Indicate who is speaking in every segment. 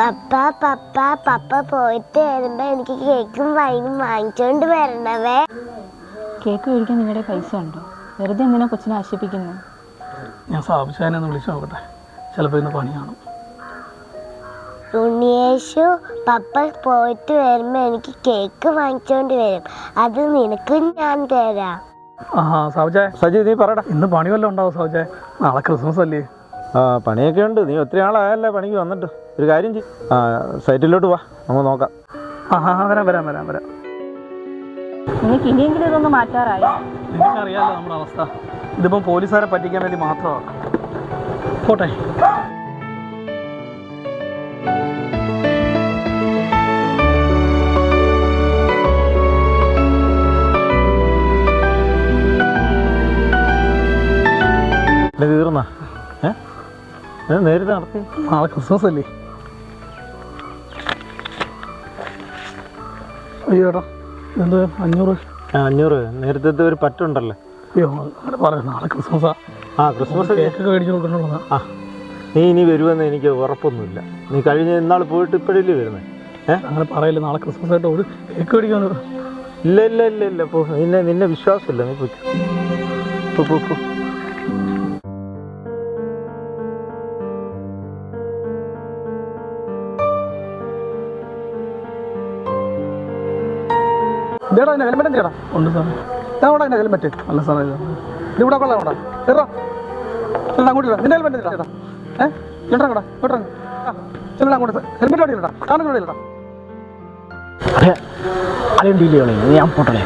Speaker 1: പപ്പ പപ്പ പപ്പ പോയിട്ട് വരുമ്പോ എനിക്ക് കേക്കും വൈനും വാങ്ങിച്ചോണ്ട് വരണവേ.
Speaker 2: കേക്ക് മേടിക്കാൻ നിങ്ങളുടെ പൈസ ഉണ്ടോ? വെറുതെ എന്തിനാ കൊച്ചിനെ ആശിപ്പിക്കുന്നത്?
Speaker 3: ഞാൻ സാബുശാനെ ഒന്ന് വിളിച്ചു നോക്കട്ടെ, ചിലപ്പോൾ ഇന്ന് പണി കാണും.
Speaker 1: ഉണ്ണിയേശു പപ്പ പോയിട്ട് വരുമ്പോ എനിക്ക് കേക്ക് വാങ്ങിച്ചോണ്ട് വരും, അത് നിനക്ക് ഞാൻ തരാം.
Speaker 3: സാബുജായ സജി നീ പറയടാ, ഇന്ന് പണി വല്ലതും ഉണ്ടാവും സാബുജായ? നാളെ ക്രിസ്മസ് അല്ലേ?
Speaker 4: പണിയൊക്കെ ഉണ്ട്. നീ ഒത്തിരി ആളായല്ലേ പണിക്ക് വന്നിട്ട്. ഒരു കാര്യം ചെയ്യും, സൈറ്റിലോട്ട് വാ, നമുക്ക് നോക്കാം.
Speaker 3: വരാം വരാം വരാം വരാം.
Speaker 2: നിങ്ങൾക്ക് ഇനിയെങ്കിലും ഇതൊന്ന് മാറ്റാറായി.
Speaker 3: നിനക്കറിയാലോ നമ്മുടെ അവസ്ഥ. ഇതിപ്പം പോലീസുകാരെ പറ്റിക്കാൻ വേണ്ടി മാത്രമാണ്. പോട്ടെ.
Speaker 4: തീർന്നാ നേരിട്ട് നടത്തി?
Speaker 3: നാളെ ക്രിസ്മസ് അല്ലേ? അയ്യോ ഏട്ടാ, എന്തോ 500
Speaker 4: നേരത്തെ ഒരു പറ്റുണ്ടല്ലോ.
Speaker 3: അയ്യോ അങ്ങനെ പറയാം, നാളെ ക്രിസ്മസാ.
Speaker 4: ക്രിസ്മസ്
Speaker 3: കേക്കൊക്കെ മേടിച്ചു കൊടുക്കണുള്ളതാ.
Speaker 4: നീ ഇനി വരുമെന്ന് എനിക്ക് ഉറപ്പൊന്നുമില്ല. നീ കഴിഞ്ഞ ഇന്നാൾ പോയിട്ട് ഇപ്പോഴല്ലേ വരുന്നത്?
Speaker 3: അങ്ങനെ പറയില്ല, നാളെ ക്രിസ്മസ് ആയിട്ട് ഒരു കേക്ക് മേടിക്കാൻ.
Speaker 4: ഇല്ല ഇല്ല ഇല്ല ഇല്ല, പോ. നിന്നെ വിശ്വാസമില്ല, നീ പോയി.
Speaker 3: ഇതേടാ അതിൻ്റെ ഹെൽമെറ്റ് എന്തിനാ? ഉണ്ട് സാറേ. ഇതാവടാ അതിൻ്റെ ഹെൽമെറ്റ്? അല്ല സാറേ, ഇതിവിടെ കൊള്ളാം. ഇവിടെ ചേട്ടാ അങ്ങോട്ട് ഇടാ. നിന്റെ ഹെൽമെറ്റ് എന്തിനാ? ചേട്ടാ കൂടാ ഇങ്ങോട്ട് ചെല്ലടാ അങ്ങോട്ട്. ഹെൽമെറ്റ് അവിടെ ഇല്ലടാ, കാണുന്ന ഇവിടെ ഇല്ലടാ.
Speaker 4: അളിയൻ ഡീൽ ചെയ്യണേ. ഞാൻ പോട്ടണേ.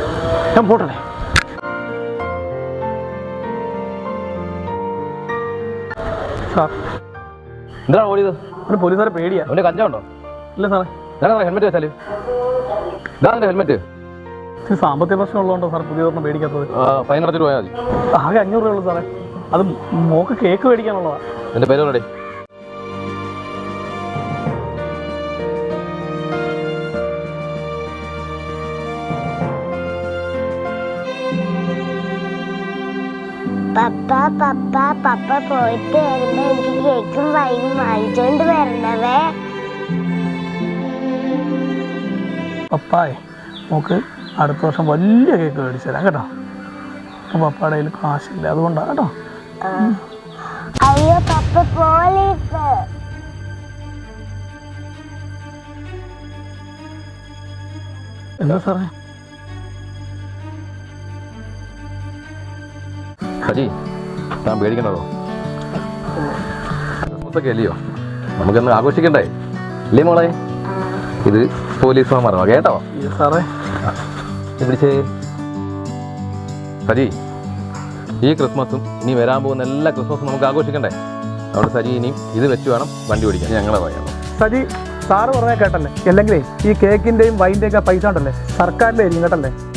Speaker 3: സാർ
Speaker 5: എന്താണ് ഓടിയത്?
Speaker 3: അവന് പോലീസുകാരെ പേടിയാ.
Speaker 5: അവൻ്റെ കഞ്ചാവുണ്ടോ?
Speaker 3: ഇല്ല സാറേ.
Speaker 5: ഹെൽമെറ്റ് വെച്ചാല് ഇതാണ് ഹെൽമെറ്റ്.
Speaker 3: സാമ്പത്തിക പ്രശ്നം ഉള്ളതുകൊണ്ടോ സാർ പുതിയ ഒരെണ്ണം മേടിക്കാത്തത്?
Speaker 5: ഫൈൻ അടച്ചിട്ട് പോയാൽ മതി.
Speaker 3: ആകെ 500 രൂപ ഉള്ളൂ സാറേ. അത് മോക്ക് കേക്ക് മേടിക്കാനുള്ളതാ.
Speaker 5: എൻ്റെ പേര് പറയടേ.
Speaker 1: പപ്പ പപ്പ പപ്പ പോയിട്ട് വരുമ്പോ എനിക്ക് കേക്കും വൈനും വാങ്ങിച്ചോണ്ട് വരണവേ.
Speaker 3: പപ്പായേ, മോക്ക് അടുത്ത വർഷം വലിയ കേക്ക് മേടിച്ചു തരാം കേട്ടോ. അപ്പം പപ്പയുടെ കയ്യിൽ കാശില്ല, അതുകൊണ്ടാണ് കേട്ടോ.
Speaker 1: അയ്യോ പപ്പ, പോലീസ്.
Speaker 3: എന്താ സാറേ?
Speaker 5: സജി, ഞാൻ പേടിക്കണോ? ക്രിസ്മസ് ഒക്കെ അല്ലയോ, നമുക്കൊന്ന് ആഘോഷിക്കണ്ടേ? ഇല്ലേ മോളെ? ഇത് പോലീസ് മാറോ കേട്ടോ
Speaker 3: സാറേ?
Speaker 5: പിടിച്ചേ. സജി, ഈ ക്രിസ്മസും ഇനി വരാൻ പോകുന്ന എല്ലാ ക്രിസ്മസും നമുക്ക് ആഘോഷിക്കണ്ടേ? അതുകൊണ്ട് സജി ഇനിയും ഇത് വെച്ച് വേണം വണ്ടി ഓടിക്കാൻ. ഞങ്ങളെ പറയാം.
Speaker 3: സജി, സാറ് പറഞ്ഞാൽ കേട്ടല്ലേ? അല്ലെങ്കിലേ ഈ കേക്കിൻ്റെയും വൈൻ്റെയും ഒക്കെ പൈസ ഉണ്ടല്ലേ സർക്കാരിൻ്റെ ആയിരിക്കും കേട്ടല്ലേ?